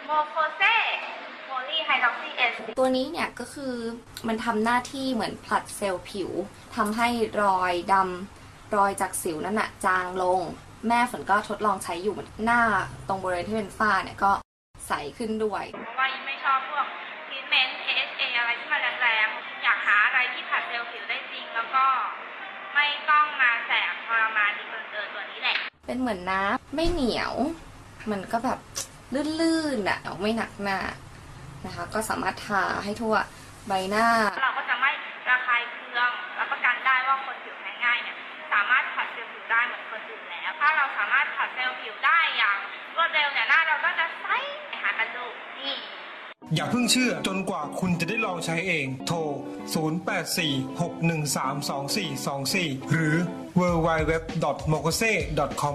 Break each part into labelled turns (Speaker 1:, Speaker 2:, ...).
Speaker 1: โมโคเซโพลีไฮดรอกซีเอส
Speaker 2: ตัวนี้เนี่ยก็คือมันทำหน้าที่เหมือนผลัดเซลล์ผิวทำให้รอยดำรอยจากสิวนั่นน่ะจางลงแม่ฝนก็ทดลองใช้อยู่หน้าตรงบริเวณที่เป็นฝ้าเนี่ยก็ใสขึ้นด้วย
Speaker 1: เพราะว่ายิ่งไม่ชอบพวกทรีทเมนต์ AHA อะไรที่มันแรงๆอยากหาอะไรที่ผลัดเซลล์ผิวได้จริงแล้วก็ไม่ต้องมาแสบทรมานดีเกินตัวนี้แหละ
Speaker 2: เป็นเหมือนน้ำไม่เหนียวมันก็แบบลื่นๆอ่ะไม่หนักหน้านะคะก็สามารถทาให้ทั่วใบหน้า
Speaker 1: เราก็จะไม่ระคายเคืองรับประกันได้ว่าคนผิวแพ้ง่ายเนี่ยสามารถผัดเซลล์ผิวได้เหมือนคนอื่นแล้วถ้าเราสามารถผัดเซลล์ผิวได้อย่างรวดเร็วเนี่ยหน้าเราก็จะใสหากันดูนี่
Speaker 3: อย่าเพิ่งเชื่อจนกว่าคุณจะได้ลองใช้เองโทร 0846132424 หรือ www.mokose.com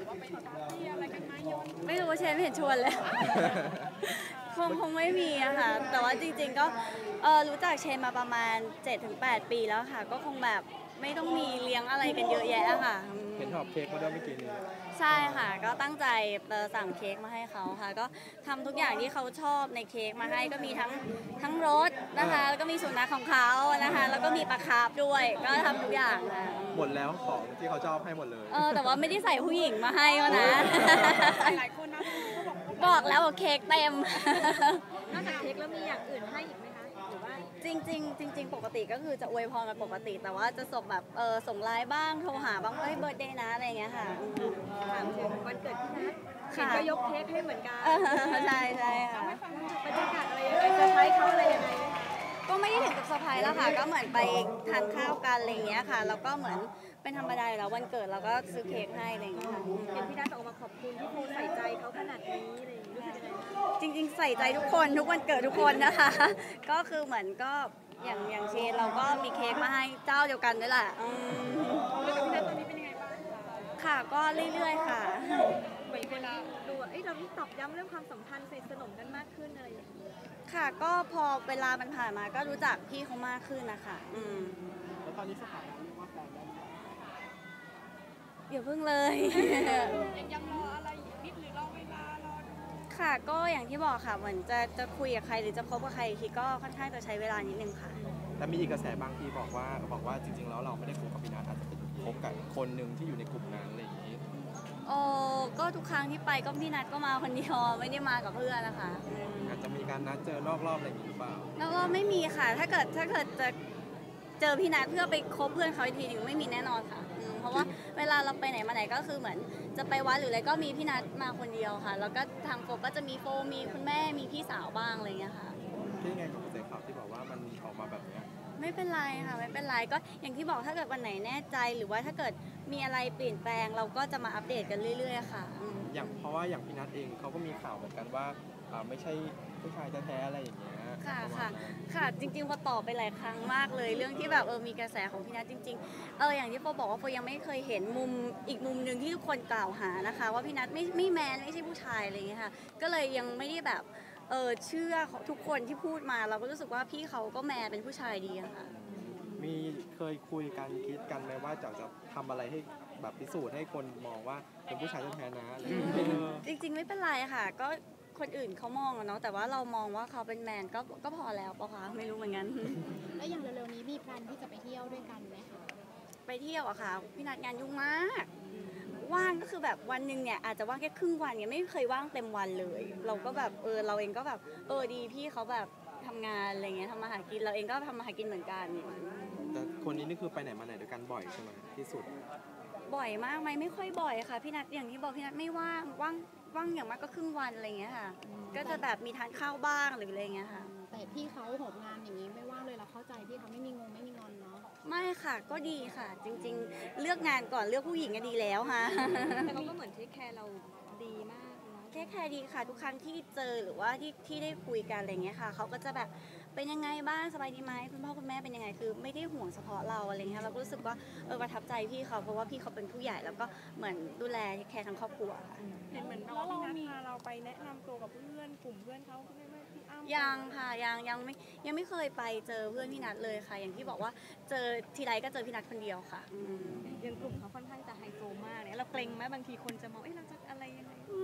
Speaker 4: ไม่รู้ว่าเชนไม่เห็นชวนเลย คงไม่มีอะค่ะแต่ว่าจริงๆก็รู้จักเชนมาประมาณ 7-8 ปีแล้วค่ะก็คงแบบไม่ต้องมีเลี้ยงอะไรกันเยอะแยะค่ะ
Speaker 5: เห็นหอบเค้กมาด้วยเมื่อกี้นี้
Speaker 4: ใช่ค่ะก็ตั้งใจสั่งเค้กมาให้เขาค่ะก็ทำทุกอย่างที่เขาชอบในเค้กมาให้ก็มีทั้งรสนะคะแล้วก็มีสุนัขของเขานะคะแล้วก็มีปลาคาร์ฟด้วยก็ทำทุกอย่างค่ะ
Speaker 5: หมดแล้วของที่เขาชอบให้หมดเลย
Speaker 4: แต่ว่าไม่ได้ใส่ผู้หญิงมาให้นะหลายคนนะบอกแล้วว่าเค้กเต็ม
Speaker 6: นอกจากเค้กแล้วมีอย่างอื่นให้อีกไหมคะหรือว่า
Speaker 4: จริงปกติก็คือจะอวยพรกันปกติแต่ว่าจะส่งแบบส่งไลน์บ้างโทรหาบ้างเฮ้ยเบิร์ธเดย์นะอะไรเงี้ยค่ะ
Speaker 6: ถามถึงวันเกิดพี่นัทเห็นก็ยกเค้กให้เหมือนกัน
Speaker 4: ใช่ค่ะ
Speaker 6: บรรยากาศอะไรยังไงเซอร์ไพรส์เขาอะไรยังไง
Speaker 4: ก็ไม่ได้ถึงกับเซอร์ไพรส์แล้วค่ะก็เหมือนไปทานข้าวกันอะไรเงี้ยค่ะแล้วก็เหมือนเป็นธรรมดาแล้ววันเกิดเราก็ซื้อเค้กให้อะไรเงี้ยค่ะ
Speaker 6: เห็นพี่นัทออกมาขอบคุณที่โพใส่ใจเขาขนาดนี้อะไรอย่างเงี้ย
Speaker 4: จริงๆใส่ใจทุกคนทุกวันเกิดทุกคนนะคะก็คือเหมือนก็อย่างเชนเราก็มีเค้กมาให้เจ้าเดียวกันด้วยแหละ
Speaker 6: แล้วกับพี่นัทตอนนี้เป็นยังไงบ้าง
Speaker 4: ค่ะก็เรื่อยๆค่ะ
Speaker 6: เหมือนเวลาดูเราตอกย้ำเรื่องความสัมพันธ์สนิทสนมกันมากขึ้นอะไรอย่างเงี้ย
Speaker 4: ค่ะก็พอเวลามันผ่านมาก็รู้จักพี่เขามากขึ้นนะคะ
Speaker 5: แล้วตอนนี้สถานะเรียกว่าแฟนได้ไหม
Speaker 4: อย่าเพิ่งเลย
Speaker 6: ยังรออะไรนิดหรือรอเวลารอ
Speaker 4: ค่ะก็อย่างที่บอกค่ะเหมือนจะคุยกับใครหรือจะคบกับใครทีก็ค่อนข้างจะใช้เวลานิดนึงค่ะ
Speaker 5: แต่มีอีกกระแสบางทีบอกว่าจริงๆแล้วเราไม่ได้คบกับพี่นัทอาจจะเป็นคบกับคนหนึ่งที่อยู่ในกลุ่มนั้นอะไรอย่างนี้
Speaker 4: ก็ทุกครั้งที่ไปก็พี่นัทก็มาคนเดียวไม่ได้มากับเพื่อนนะคะ
Speaker 5: อาจจะมีการนัดเจอนอกรอบอะไรอย่างนี้หรือเปล่า
Speaker 4: แล้วก็ไม่มีค่ะถ้าเกิดจะเจอพี่นัทเพื่อไปคบเพื่อนเขาอีกทีหนึ่งไม่มีแน่นอนค่ะเพราะว่าเวลาเราไปไหนมาไหนก็คือเหมือนจะไปวัดหรืออะไรก็มีพี่นัทมาคนเดียวค่ะแล้วก็ทางโฟก็จะมีโฟมีคุณแม่มีพี่สาวบ้างอะไรอย่างเงี้ยค่ะ
Speaker 5: ที่ไงกับกระแสข่าวที่บอกว่ามันออกมาแบบนี้
Speaker 4: ไม่เป็นไรค่ะไม่เป็นไรก็อย่างที่บอกถ้าเกิดวันไหนแน่ใจหรือว่าถ้าเกิดมีอะไรเปลี่ยนแปลงเราก็จะมาอัปเดตกันเรื่อยๆค่ะ
Speaker 5: เพราะว่าอย่างพี่นัทเองเขาก็มีข่าวเหมือนกันว่าไม่ใช่ผู้ชายแท้ๆอะไรอย่างเงี้ย
Speaker 4: ค่ะจริงๆพอตอบไปหลายครั้งมากเลยเรื่องที่แบบมีกระแสของพี่นัทจริงๆอย่างที่โฟบอกว่าโฟยังไม่เคยเห็นอีกมุมหนึ่งที่ทุกคนกล่าวหานะคะว่าพี่นัทไม่แมนไม่ใช่ผู้ชายอะไรอย่างเงี้ยค่ะก็เลยยังไม่ได้แบบเชื่อทุกคนที่พูดมาเราก็รู้สึกว่าพี่เขาก็แมนเป็นผู้ชายดีค่ะ
Speaker 5: มีเคยคุยกันคิดกันไหมว่าจะทำอะไรให้แบบพิสูจน์ให้คนมองว่าเป็นผู้ชายแท้ๆนะ
Speaker 4: จริงๆไม่เป็นไรค่ะก็คนอื่นเขามองเนาะแต่ว่าเรามองว่าเขาเป็นแมนก็พอแล้วปะคะไม่รู้เหมือนกัน
Speaker 6: แล้วอย่างเร็วๆนี้มีแพลนที่จะไปเที่ยวด้วยกันไหมคะ
Speaker 4: ไปเที่ยวอะค่ะพี่นัทงานยุ่งมากว่างก็คือแบบวันหนึ่งเนี่ยอาจจะว่างแค่ครึ่งวันเนี่ยไม่เคยว่างเต็มวันเลยเราก็แบบเราเองก็แบบดีพี่เขาแบบทำงานอะไรเงี้ยทำมาหากินเราเองก็ทำมาหากินเหมือนกัน
Speaker 5: แต่คนนี้นี่คือไปไหนมาไหนด้วยกันบ่อยใช่ไหมที่สุด
Speaker 4: บ่อยมากไหมไม่ค่อยบ่อยค่ะพี่นัทอย่างที่บอกพี่นัทไม่ว่างอย่างมากก็ครึ่งวันอะไรเงี้ยค่ะก็จะแบบมีทานข้าวบ้างหรืออะไรเงี้ยค่ะ
Speaker 6: แต่พี่เขาหอบงานอย่างนี้ไม่ว่างเลยเราเข้าใจพี่เขาไม่มีงอนเนาะ
Speaker 4: ไม่ค่ะก็ดีค่ะจริงๆเลือกงานก่อนเลือกผู้หญิงก็ดีแล้วค่ะ
Speaker 6: แต่เขาก็เหมือนเทคแคร์เราดีมาก
Speaker 4: เทคแคร์ดีค่ะทุกครั้งที่เจอหรือว่าที่ได้คุยกันอะไรเงี้ยค่ะเขาก็จะแบบเป็นยังไงบ้างสบายดีไหมคุณพ่อคุณแม่เป็นยังไงคือไม่ได้ห่วงเฉพาะเราอะไรเงี้ยเราก็รู้สึกว่าประทับใจพี่เขาเพราะว่าพี่เขาเป็นผู้ใหญ่แล้วก็เหมือนดูแลแคร์ทั้งครอบครัว
Speaker 6: เห็นเหมือนว่าพี่นัทพาเราไปแนะนำตัวกับเพื่อนกลุ่มเพื่อนเขาพี่อ้ำ
Speaker 4: ยังค่ะยังไม่เคยไปเจอเพื่อนพี่นัทเลยค่ะอย่างที่บอกว่าเจอทีไรก็เจอพี่นัทคนเดียวค่ะ
Speaker 6: ยังกลุ่มเขาค่อนข้างจะไฮโซมากเนี่ยเราเกรงไหมบางทีคนจะมองเราจะอะไรยังไง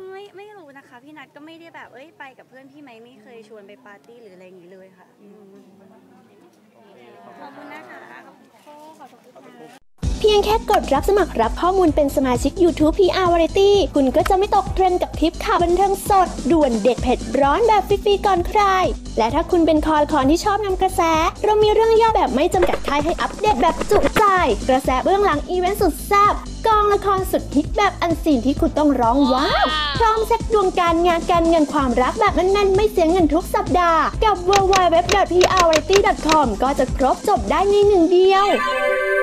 Speaker 4: ไม่รู้นะคะ พี่นัทก็ไม่ได้แบบไปกับเพื่อนพี่ไมค์ไม่เคยชวนไปปาร์ตี้หรืออะไรอย่างนี้เลยค่ะขอบคุณนะคะขอบคุณค่ะ
Speaker 7: เพียงแค่กดรับสมัครรับข้อมูลเป็นสมาชิก YouTube PR Variety คุณก็จะไม่ตกเทรนด์กับคลิปข่าวบันเทิงสดด่วนเด็ดเผ็ดร้อนแบบฟรีๆก่อนใคร และถ้าคุณเป็นคอที่ชอบนำกระแส เรามีเรื่องย่อแบบไม่จำกัดท้ายให้อัปเดตแบบจุใจ กระแสเบื้องหลังอีเวนต์สุดแซ่บกองละครสุดฮิตแบบอันซีนที่คุณต้องร้องว้าวพร้อมเซ็ตดวงการงานการเงินความรักแบบแน่นๆไม่เสียเงินทุกสัปดาห์กับ www.prvariety.com ก็จะครบจบได้ในหนึ่งเดียว